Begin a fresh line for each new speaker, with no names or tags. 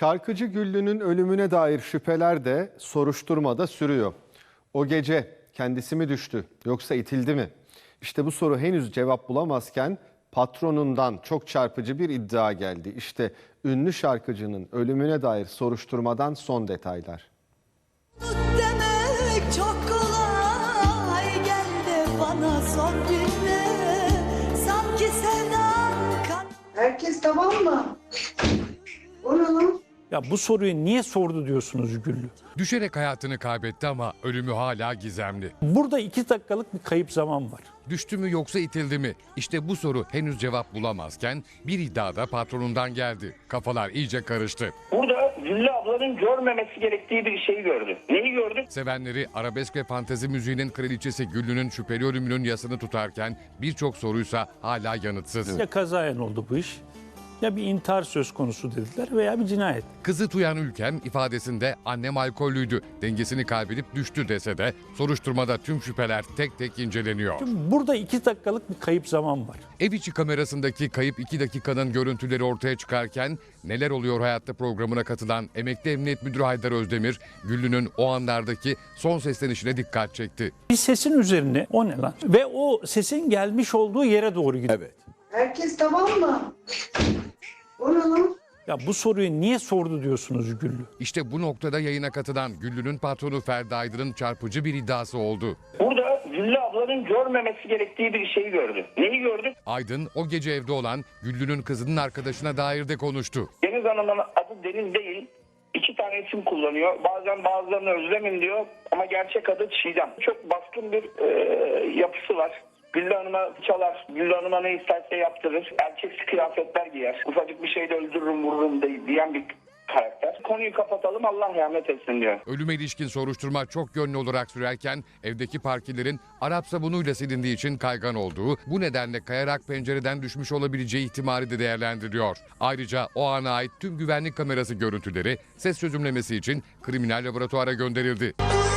Şarkıcı Güllü'nün ölümüne dair şüpheler de soruşturmada sürüyor. O gece kendisi mi düştü yoksa itildi mi? İşte bu soru henüz cevap bulamazken patronundan çok çarpıcı bir iddia geldi. İşte ünlü şarkıcının ölümüne dair soruşturmadan son detaylar.
Demek çok kolay geldi bana son günde. Sanki sevdam kan...
Herkes tamam mı? O ne lan?
Ya bu soruyu niye sordu diyorsunuz Güllü?
Düşerek hayatını kaybetti ama ölümü hala gizemli.
Burada 2 dakikalık bir kayıp zaman var.
Düştü mü yoksa itildi mi? İşte bu soru henüz cevap bulamazken bir iddia da patronundan geldi. Kafalar iyice karıştı.
Burada Güllü ablanın görmemesi gerektiği bir şeyi gördü. Neyi gördü?
Sevenleri arabesk ve fantezi müziğinin kraliçesi Güllü'nün şüpheli ölümünün yasını tutarken birçok soruysa hala yanıtsız.
Ya kazayen oldu bu iş, ya bir intihar söz konusu dediler veya bir cinayet.
Kızı Tuyan Ülkem ifadesinde annem alkollüydü, dengesini kaybedip düştü dese de soruşturmada tüm şüpheler tek tek inceleniyor.
Şimdi burada 2 dakikalık bir kayıp zaman var.
Ev içi kamerasındaki kayıp 2 dakikanın görüntüleri ortaya çıkarken Neler Oluyor Hayatta programına katılan emekli emniyet müdürü Haydar Özdemir, Güllü'nün o anlardaki son seslenişine dikkat çekti.
Bir sesin üzerine o ne lan? Ve o sesin gelmiş olduğu yere doğru gidiyor.
Evet.
Herkes tamam mı? O ne lan?
Ya bu soruyu niye sordu diyorsunuz Güllü?
İşte bu noktada yayına katılan Güllü'nün patronu Ferdi Aydın'ın çarpıcı bir iddiası oldu.
Burada Güllü ablanın görmemesi gerektiği bir şeyi gördü. Neyi gördü?
Aydın o gece evde olan Güllü'nün kızının arkadaşına dair de konuştu.
Deniz Hanım'ın adı Deniz değil. 2 tane isim kullanıyor. Bazen bazılarını Özlem'in diyor ama gerçek adı Çiğdem. Çok baskın bir yapısı var. Güllü Hanım'a çalar, Güllü Hanım'a ne isterse yaptırır. Erkeksi kıyafetler giyer. Ufacık bir şeyde öldürürüm vururum diyen bir karakter. Konuyu kapatalım, Allah rahmet etsin diyor.
Ölüme ilişkin soruşturma çok yönlü olarak sürerken evdeki parkelerin Arap sabunuyla silindiği için kaygan olduğu, bu nedenle kayarak pencereden düşmüş olabileceği ihtimali de değerlendiriliyor. Ayrıca o ana ait tüm güvenlik kamerası görüntüleri ses çözümlemesi için kriminal laboratuvara gönderildi.